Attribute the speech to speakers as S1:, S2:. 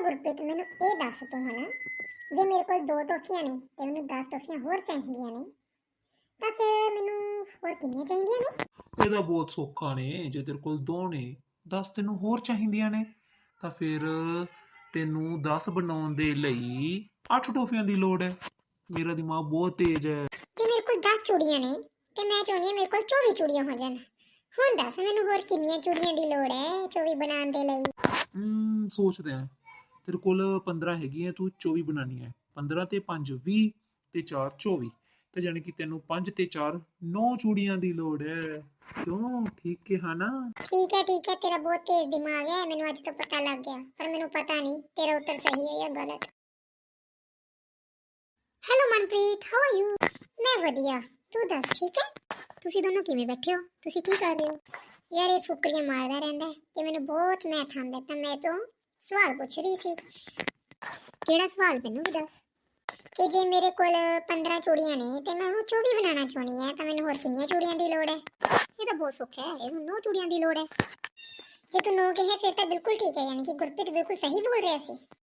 S1: ਗੁਰਪ੍ਰੀਤ, ਮੈਨੂੰ ਇਹ ਦੱਸ ਤੂੰ ਹੁਣ, ਜੇ ਮੇਰੇ ਕੋਲ 2 ਟੋਫੀਆਂ ਨੇ ਤੇ ਮੈਨੂੰ 10 ਟੋਫੀਆਂ ਹੋਰ ਚਾਹੀਦੀਆਂ ਨੇ, ਤਾਂ ਫਿਰ ਮੈਨੂੰ ਹੋਰ ਕਿੰਨੀਆਂ ਚਾਹੀਦੀਆਂ ਨੇ?
S2: ਇਹਦਾ ਬਹੁਤ ਸੌਖਾ ਨੇ। ਜੇ ਤੇਰੇ ਕੋਲ 2 ਨੇ, 10 ਤੈਨੂੰ ਹੋਰ ਚਾਹੀਦੀਆਂ ਨੇ, ਤਾਂ ਫਿਰ ਤੈਨੂੰ 10 ਬਣਾਉਣ ਦੇ ਲਈ 8 ਟੋਫੀਆਂ ਦੀ ਲੋੜ ਹੈ। ਮੇਰਾ ਦਿਮਾਗ ਬਹੁਤ ਤੇਜ਼ ਹੈ।
S1: ਜੇ ਮੇਰੇ ਕੋਲ 10 ਚੂੜੀਆਂ ਨੇ ਤੇ ਮੈਂ ਚਾਹੁੰਦੀ ਹਾਂ ਮੇਰੇ ਕੋਲ 24 ਚੂੜੀਆਂ ਹੋ ਜਾਣ, ਹੁਣ ਦੱਸ ਮੈਨੂੰ ਹੋਰ ਕਿੰਨੀਆਂ ਚੂੜੀਆਂ ਦੀ ਲੋੜ ਹੈ 24 ਬਣਾਉਣ ਦੇ ਲਈ?
S2: ਸੋਚਦੇ ਆ। ਤੇਰੇ ਕੋਲ 15 ਹੈਗੀਆਂ, ਤੂੰ 24 ਬਣਾਉਣੀ ਹੈ। 15 ਤੇ 5 20 ਤੇ 4 24, ਤੇ ਜਾਣੀ ਕਿ ਤੈਨੂੰ 5 ਤੇ 4 9 ਚੂੜੀਆਂ ਦੀ ਲੋੜ ਹੈ। ਕਿਉਂ, ਠੀਕ ਕਿਹਾ ਨਾ?
S1: ਠੀਕ ਹੈ ਤੇਰਾ ਬਹੁਤ ਤੇਜ਼ ਦਿਮਾਗ ਹੈ, ਮੈਨੂੰ ਅੱਜ ਤੋਂ ਪਤਾ ਲੱਗ ਗਿਆ, ਪਰ ਮੈਨੂੰ ਪਤਾ ਨਹੀਂ ਤੇਰਾ ਉੱਤਰ ਸਹੀ ਹੈ ਜਾਂ ਗਲਤ। Hello Manpreet, how are you? ਮੈਂ ਵਧੀਆ, ਤੂੰ ਦੱਸ ਠੀਕ ਹੈ? ਤੁਸੀਂ ਦੋਨੋਂ ਕਿਵੇਂ ਬੈਠੇ ਹੋ? ਤੁਸੀਂ ਕੀ ਕਰ ਰਹੇ ਹੋ? ਯਾਰ ਇਹ ਫੁਕਰੀਆਂ ਮਾਰਦਾ ਰਹਿੰਦਾ ਹੈ ਕਿ ਮੈਨੂੰ ਬਹੁਤ ਮੈਥ ਆਉਂਦਾ, ਤਾਂ ਮੈਂ ਤੋਂ ਸਵਾਲ ਪੁੱਛ ਰਹੀ ਸੀ। ਕਿਹੜਾ ਸਵਾਲ ਮੈਨੂੰ ਵੀ ਦੱਸ। ਕਿ ਜੇ ਮੇਰੇ ਕੋਲ 15 ਚੂੜੀਆਂ ਨੇ ਤੇ ਮੈਂ ਉਹਨੂੰ 24 ਬਣਾਉਣਾ ਚਾਹੁੰਦੀ ਹਾਂ, ਤਾਂ ਮੈਨੂੰ ਹੋਰ ਕਿੰਨੀਆਂ ਚੂੜੀਆਂ ਦੀ ਲੋੜ ਹੈ? ਇਹ ਤਾਂ ਬਹੁਤ ਸੌਖਾ ਹੈ, ਇਹਨੂੰ 9 ਚੂੜੀਆਂ ਦੀ ਲੋੜ ਹੈ। ਜੇ ਤੂੰ 9 ਕਹੇ ਫਿਰ ਤਾਂ ਬਿਲਕੁਲ ਠੀਕ ਹੈ, ਯਾਨੀ ਕਿ ਗੁਰਪ੍ਰੀਤ ਬਿਲਕੁਲ ਸਹੀ ਬੋਲ ਰਿਹਾ ਸੀ।